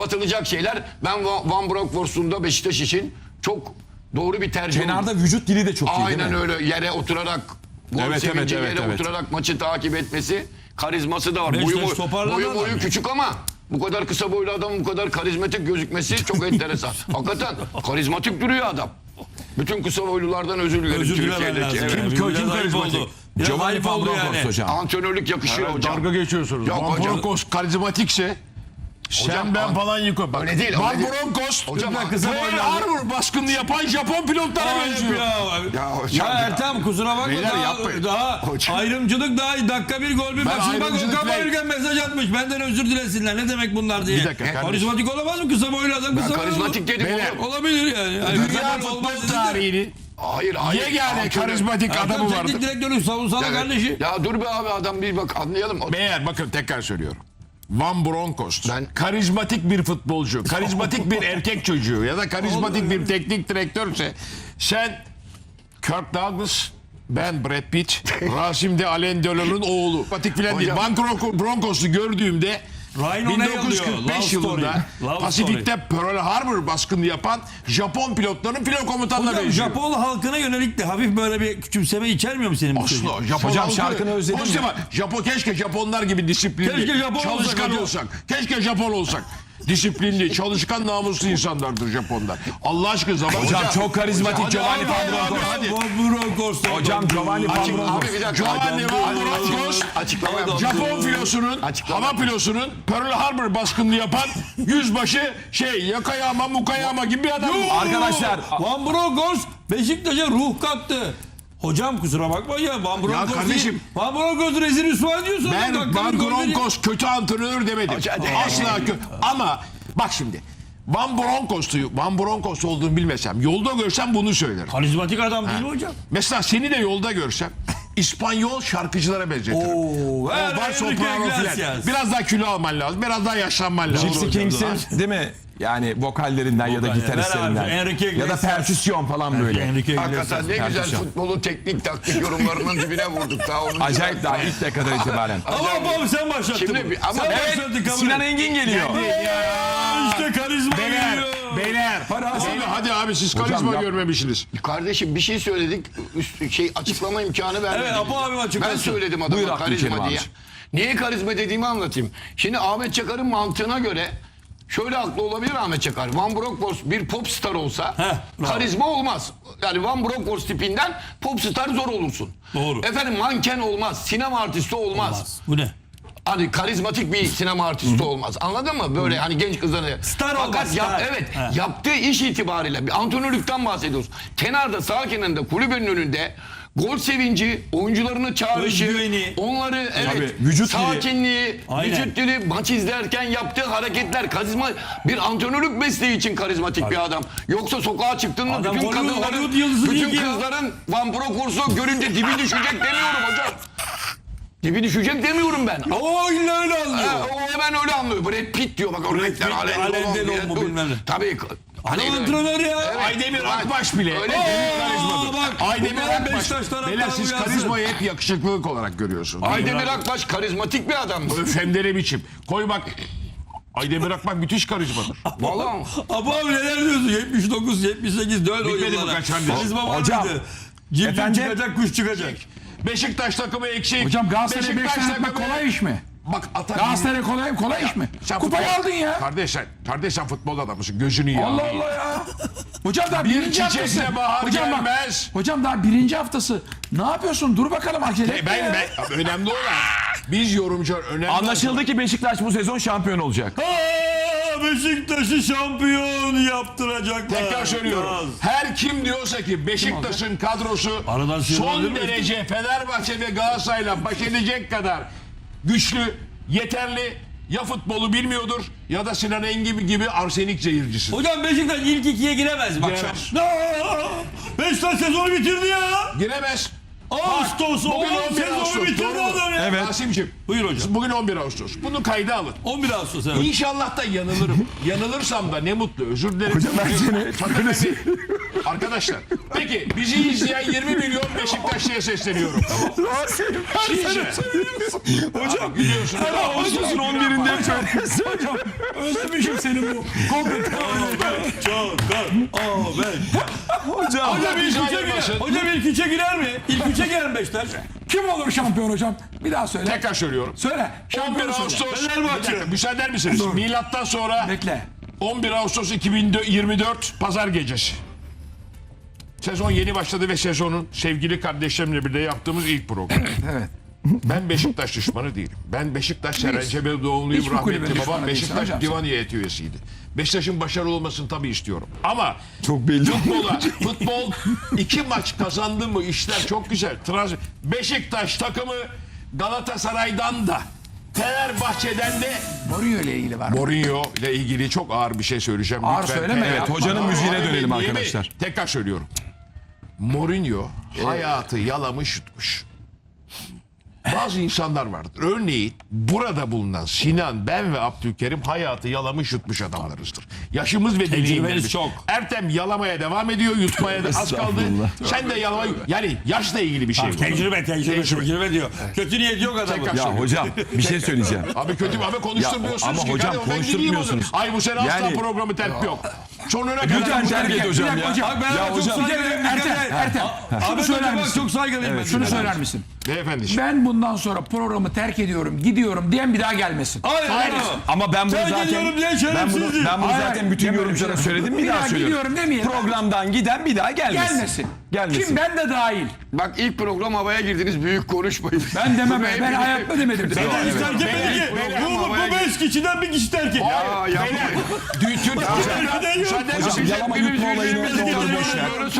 Atılacak şeyler. Ben Van Bronckhorst'un Beşiktaş için çok doğru bir tercih oldu. Kenarda vücut dili de çok iyi değil mi? Aynen öyle. Yere oturarak gol sevinci yere oturarak maçı takip etmesi, karizması da var. Boyu küçük ama bu kadar kısa boylu adamın bu kadar karizmatik gözükmesi çok enteresan. Hakikaten karizmatik duruyor adam. Bütün kısa boylulardan özür dilerim Türkiye'deki. Kim karizmatik? Giovanni Van Bronckhorst hocam. Antrenörlük yakışıyor hocam. Dalga geçiyorsunuz. Yok Van hocam. Bronckhorst karizmatikse sen ben falan yıkıyorum. Öyle değil. Van Bronckhorst Hocam Pearl Harbor baskını yapan Japon pilotlara benziyor. Ya Ertem kusura bakma Beyler yapmayın. daha ayrımcılık daha dakika bir gol bir bak şimdi bak Okan Bayülgen mesaj atmış benden özür dilesinler ne demek bunlar diye. Bir dakika kardeşim. Karizmatik olamaz mı kısa boylu adam kısa boylu karizmatik dedim Beyler. oğlum. olabilir yani. Dünya futbol tarihinin Hayır. yegane karizmatik adamı vardı. Teknik direktörlük savunsana kardeşi. Ya dur be abi adam bir bak anlayalım. Meğer bakın tekrar söylüyorum. Van Bronckhorst Ben- karizmatik bir futbolcu, karizmatik bir erkek çocuğu ya da karizmatik bir teknik direktörse sen Kirk Douglas, ben Brad Pitt, Rasim de Alain Delon'un oğlu. Patik filan değil. Van Bronckhorst'u gördüğümde Ryan O'Neil diyor, 1945 Love yılında Story. Love Pasifik'te Pearl Harbor baskını yapan Japon pilotların filo komutanına Hocam benziyor. Japon halkına yönelik de hafif böyle bir küçümseme içermiyor mu senin bu sözün? Asla. Japon Hocam halkı- şarkını özledim Hoş ya. Japon keşke Japonlar gibi disiplinli, Keşke Japon olsak çalışkan hocam. olsak. Keşke Japon olsak. Disiplinli, çalışkan, namuslu insanlardır Japonlar. Allah aşkına zaman. Hocam çok karizmatik Giovanni Van Bronckhorst. Van Bronckhorst. Hocam Giovanni Van Abi Bronckhorst. bir dakika. Giovanni Van Bronckhorst, Açıklama yap. Japon filosunun, Açıklama hava pilosunun Pearl Harbor baskını yapan yüzbaşı Yakayama Mukayama gibi bir adam. Arkadaşlar Van Bronckhorst Beşiktaş'a ruh kattı. Hocam kusura bakma ya Van Bronckhorst kardeşim, Van Bronckhorst rezil rüsva ediyorsun. Ben Van Bronckhorst kötü antrenör demedim. Asla kötü. Ama bak şimdi. Van Bronckhorst olduğunu bilmesem, yolda görsem bunu söylerim. Karizmatik adam değil mi hocam? Mesela seni de yolda görsem İspanyol şarkıcılara benzetirim. Var soprano filan. Biraz daha kilo alman lazım. Biraz daha yaşlanman lazım. Gypsy Kings'in değil mi? Yani vokallerinden ya da Vokal, gitaristlerinden. Enrique Ya da Iglesias. perküsyon falan böyle. Hakikaten ne güzel futbolu teknik taktik yorumlarının dibine vurduk. Daha onun Acayip daha ilk dakikadan itibaren. Ama abi sen başlattın. Şimdi ama sen Evet, başlattın, kabul Sinan et. Engin geliyor. İşte karizma geliyor. Beyler. Hadi abi siz karizma yap. görmemişsiniz. kardeşim bir şey söyledik. açıklama imkanı vermediniz. Evet, Apo abim açıklasın. Ben söyledim Buyur adama Abdülkerim karizma diye. abiciğim. Niye karizma dediğimi anlatayım. Şimdi Ahmet Çakar'ın mantığına göre şöyle haklı olabilir Ahmet Çakar. Van Bronckhorst bir pop star olsa bravo. karizma olmaz. Yani Van Bronckhorst tipinden pop star zor olursun. Doğru. Efendim manken olmaz, sinema artisti olmaz. Bu ne? Hani karizmatik bir sinema artisti olmaz. Anladın mı? Böyle hani genç kızları. Star Fakat olmaz, star. evet, He. yaptığı iş itibariyle bir antrenörlükten bahsediyoruz. Kenarda sağ kenarında kulübün önünde gol sevinci, oyuncularını çağrışı, Özgüveni. onları evet, vücut dili. sakinliği, Aynen. vücut dili, maç izlerken yaptığı hareketler karizma, bir antrenörlük mesleği için karizmatik bir adam. Yoksa sokağa çıktın mı Adam bütün Hollywood kadınların, yıldızı değil bütün ki ya. kızların Van Bronckhorst'u görünce dibi düşecek demiyorum hocam. Dibi düşecek demiyorum ben. O illa öyle anlıyor. O hemen öyle anlıyor. Brad Pitt diyor bak o renkler Pitt, Alain Alain Delon Delon mu diye. bilmem ne. Tabii. Adam antrenör ya. Aydemir Akbaş bile. Öyle Karizmadır. bak, Aydemir bunlar Akbaş. Beşiktaş taraftarı Beyler siz uyansın. karizmayı hep yakışıklılık olarak görüyorsunuz. Aydemir Akbaş karizmatik bir adam. Hem de ne biçim. Koy bak. Aydemir Akbaş müthiş karizmadır. Vallahi. Abu abi neler diyorsun? 79, 78 dön o Bitmedi yıllara. mi kaç kardeşim? Karizma var Hocam, mıydı? Cimcim efendim? çıkacak, kuş çıkacak. Beşiktaş takımı eksik. Hocam Galatasaray'a Beşiktaş 5 tane atmak takımı- kolay iş mi? Bak atar. Galatasaray kolay iş mi? Sen Kupayı futbol- aldın ya. Kardeş sen futbol adamısın. Gözünü yiyor. Allah Allah ya. Hocam daha Bir birinci haftası. çiçekle bahar Hocam bak. gelmez. Hocam daha birinci haftası. Ne yapıyorsun? Dur bakalım acele etme ya. Ben önemli olan biz yorumcular önemli. Anlaşıldı ki Beşiktaş bu sezon şampiyon olacak. Beşiktaş'ı şampiyon yaptıracaklar. Tekrar söylüyorum. Her kim diyorsa ki Beşiktaş'ın kadrosu Aradan sıyrılan değil son mi? derece Fenerbahçe ve Galatasaray'la baş edecek kadar güçlü, yeterli, ya futbolu bilmiyordur ya da Sinan Engin gibi arsenik zehircisi. Hocam Beşiktaş ilk ikiye giremez bak. Giremez. Beşiktaş sezonu bitirdi ya. Giremez. Ağustos Bugün oğlum 11 sezonu Ağustos, bitirdi doğru mu? adam ya. Evet. Rasim'ciğim. Buyur hocam. Bugün 11 Ağustos. Bunu kayda alın. 11 Ağustos evet. İnşallah da yanılırım. Yanılırsam da ne mutlu. Özür dilerim. Hocam ben seni- Fakat hani- arkadaşlar. Peki bizi izleyen 20 milyon Beşiktaşlı'ya sesleniyorum. Tamam. Sizce. Hocam biliyorsunuz. Ağustos'un 11'inde Hocam özlemişim seni bu. Hocam. Hocam ilk Bizi üçe ayırmasın. girer. Hocam ilk üçe girer mi? İlk üçe girer mi Beşiktaş? Kim olur şampiyon hocam? Bir daha söyle. Tekrar söylüyorum. Söyle. 11 Şampiyonu söyle. Ağustos. Fenerbahçe. Bir dakika, müsaade eder misiniz? Milattan sonra Bekle. 11 Ağustos 2024 Pazar gecesi. Sezon yeni başladı ve sezonun sevgili kardeşlerimle birlikte yaptığımız ilk program. Evet. Ben Beşiktaş düşmanı değilim. Ben Beşiktaş Serencebe doğumluyum. Hiçbir kulübün Rahmetli düşmanı babam değilsin Beşiktaş hocam. divan heyeti üyesiydi. Beşiktaş'ın başarılı olmasını tabii istiyorum. Ama Çok belli. futbol 2 maç kazandı mı işler çok güzel. Beşiktaş takımı Galatasaray'dan da Fenerbahçe'den de Mourinho ile ilgili var. Mourinho ile ilgili çok ağır bir şey söyleyeceğim. Ağır Lütfen. söyleme ya. Evet, hocanın müziğine Abi, dönelim niye mi? arkadaşlar. Tekrar söylüyorum. Mourinho hayatı yalamış yutmuş. Bazı insanlar vardır. Örneğin burada bulunan Sinan, ben ve Abdülkerim hayatı yalamış yutmuş adamlarızdır. Yaşımız ve deneyimlerimiz çok. Ertem yalamaya devam ediyor, yutmaya da az kaldı. Estağfurullah. Sen de yalamaya... Yani yaşla ilgili bir şey bu. Tecrübe diyor. Kötü niyet yok adamın. Tekrar Ya hocam bir şey söyleyeceğim. Abi kötü abi konuşturmuyorsunuz Ya, ama ki. hocam Hadi ben gideyim konuşturmuyorsunuz. o zaman. Ay bu sene asla Yani- programı terk yok. Sonuna Lütfen kadar terk et hocam ya. Bak ben Ya çok hocam. saygılıyım. Ertem. Şunu Ahmet söyler Hocam bak misin? çok saygılıyım ben. Şunu söyler misin? Beyefendi. Ben bundan sonra programı terk ediyorum, gidiyorum diyen bir daha gelmesin. Hayır. Hayır. Ama ben bunu Terk zaten ediyorum diye ben bunu şerefsizdir. zaten Hayır, bütün deme yorumculara öyle. söyledim. Bir Bir daha daha söylüyorum. gidiyorum demeyelim. Programdan giden bir daha gelmesin. Gelmesin. Gelmesin. Kim ben de dahil. Bak ilk program havaya girdiniz, büyük konuşmayın. Ben demem. Ben Hepiniz- hayatta demedim. Neden hiç terk etmedi ki? Bu 5 kişiden bir kişi terk etti. Ya yapmayın. Hocam yalama yutma olayını ne olur boş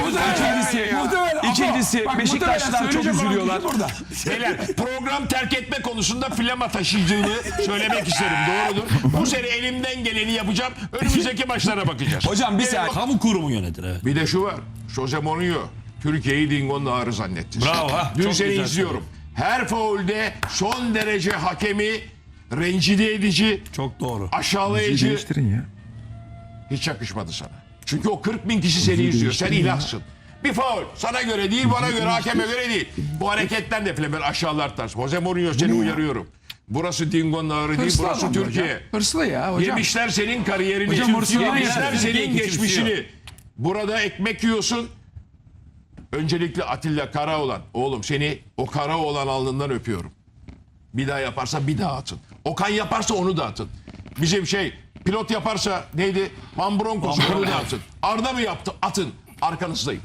ver. İkincisi Beşiktaşlılar çok üzülüyorlar. Burada. Beyler program terk etme konusunda flama taşıyıcılığını söylemek isterim. Doğrudur. Bu sene elimden geleni yapacağım. Önümüzdeki maçlara bakacağız. Hocam bir saniye. Kamu kurumu yönetir evet. Bir de şu var. Jose Mourinho Türkiye'yi Dingo'nun ağrı zannetti. Bravo, ha. Dün Çok seni güzel izliyorum. Her faulde son derece hakemi rencide edici, Çok doğru. aşağılayıcı ya. hiç yakışmadı sana. Çünkü o 40 bin kişi seni izliyor. Sen ilahsın. Bir faul. Sana göre değil, bana göre, hakeme göre değil. Bu hareketten de falan aşağılar tarz. Jose Mourinho seni uyarıyorum. Burası Dingo'nun ağrı değil, Hırslı burası adam Türkiye. hocam. Hırslı ya hocam. Yemişler senin kariyerini. Hocam hırslı Yemişler yani. senin geçmişini. Burada ekmek yiyorsun. Öncelikle Atilla Karaoğlan. Oğlum seni o Karaoğlan alnından öpüyorum. Bir daha yaparsa bir daha atın. Okan yaparsa onu da atın. Bizim pilot yaparsa neydi? Van Bronckhorst onu da atın. Arda mı yaptı? Atın. Arkanızdayım.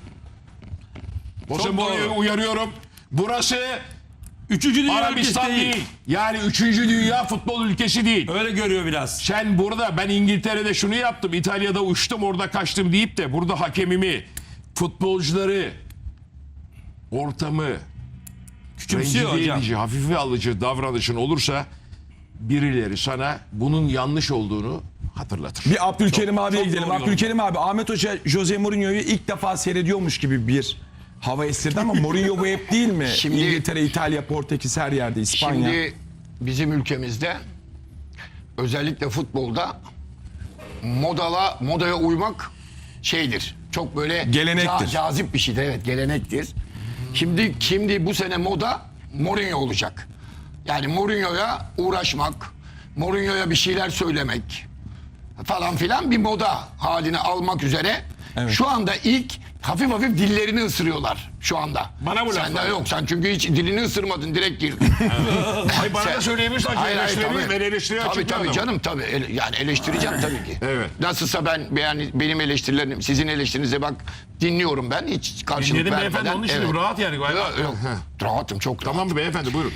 Jose Mourinho'yu uyarıyorum. Burası Üçüncü dünya Arabistan ülkesi değil. Yani 3. dünya futbol ülkesi değil. Öyle görüyor biraz. Sen burada ben İngiltere'de şunu yaptım, İtalya'da uçtum, orada kaçtım deyip de burada hakemimi, futbolcuları, ortamı Küçümsüyor rencide hocam. edici, hafife alıcı davranışın olursa birileri sana bunun yanlış olduğunu hatırlatır. Bir Abdülkerim abiye çok gidelim. doğru Abdülkerim abi Ahmet Hoca Jose Mourinho'yu ilk defa seyrediyormuş gibi bir hava estirdi ama Mourinho bu hep değil mi? Şimdi- İngiltere, İtalya, Portekiz her yerde, İspanya. Şimdi bizim ülkemizde özellikle futbolda modaya uymak şeydir. Çok böyle Gelenektir. cazip bir şeydir. Evet, gelenektir. Şimdi bu sene moda Mourinho olacak. Yani Mourinho'ya uğraşmak, Mourinho'ya bir şeyler söylemek falan filan bir moda haline almak üzere. Evet. Şu anda ilk hafif hafif dillerini ısırıyorlar şu anda. Bana bu Sen de laflar. yok, sen çünkü hiç dilini ısırmadın, direkt girdin. Ay bana da söyleyebilirsin. Hayır, Eleştirebilirim. tabii. Ben eleştiriye açık bir Tabii adamım. canım tabii. Yani eleştireceğim tabii ki. Evet. Nasılsa benim eleştirilerim, sizin eleştirinize bak dinliyorum ben, hiç karşılık Dinledim vermeden. beyefendi, onun için Evet. rahat yani galiba. Yok, rahatım, çok rahat. Tamam mı beyefendi, buyurun.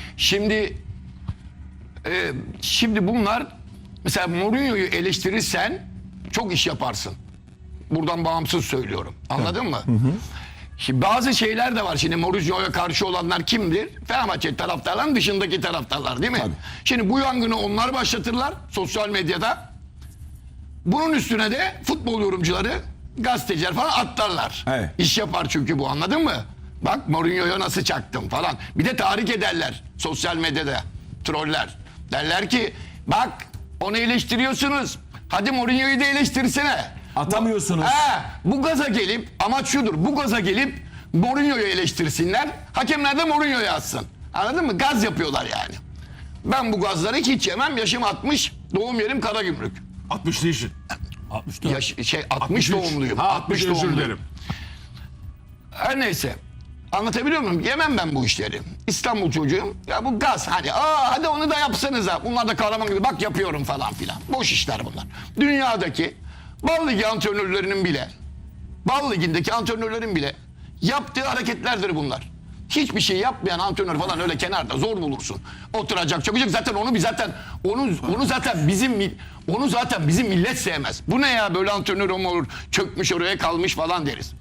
Şimdi bunlar mesela Mourinho'yu eleştirirsen çok iş yaparsın. Buradan bağımsız söylüyorum. Anladın mı? Şimdi bazı şeyler de var. Şimdi Mourinho'ya karşı olanlar kimdir? Fenerbahçe taraftarların dışındaki taraftarlar değil mi? Şimdi bu yangını onlar başlatırlar sosyal medyada. Bunun üstüne de futbol yorumcuları, gazeteciler falan atlarlar. Evet. İş yapar çünkü bu, anladın mı? Bak Mourinho'ya nasıl çaktım falan. Bir de tahrik ederler sosyal medyada. Troller. Derler ki bak onu eleştiriyorsunuz. Hadi Mourinho'yu da eleştirsene. Atamıyorsunuz. Bu gaza gelip amaç şudur. Bu gaza gelip Mourinho'yu eleştirsinler. Hakemler de Mourinho'yu atsın. Anladın mı? Gaz yapıyorlar yani. Ben bu gazları hiç yemem. Yaşım 60. Doğum yerim Karagümrük. 60 değilsin. 60 doğumluyum. Ha 60 özür doğumluyum. dilerim. Her neyse. Anlatabiliyor muyum? Yemem ben bu işleri. İstanbul çocuğum. Ya bu gaz hani. Hadi onu da yapsanız ha. Bunlar da kahraman gibi. Bak yapıyorum falan filan. Boş işler bunlar. Dünyadaki Bal Ligi antrenörlerinin bile Bal Ligi'ndeki antrenörlerin bile yaptığı hareketlerdir bunlar. Hiçbir şey yapmayan antrenör falan öyle kenarda zor bulursun. Oturacak, çökecek. Zaten onu zaten bizim millet sevmez. Bu ne ya böyle antrenör mu olur? Çökmüş oraya kalmış falan deriz.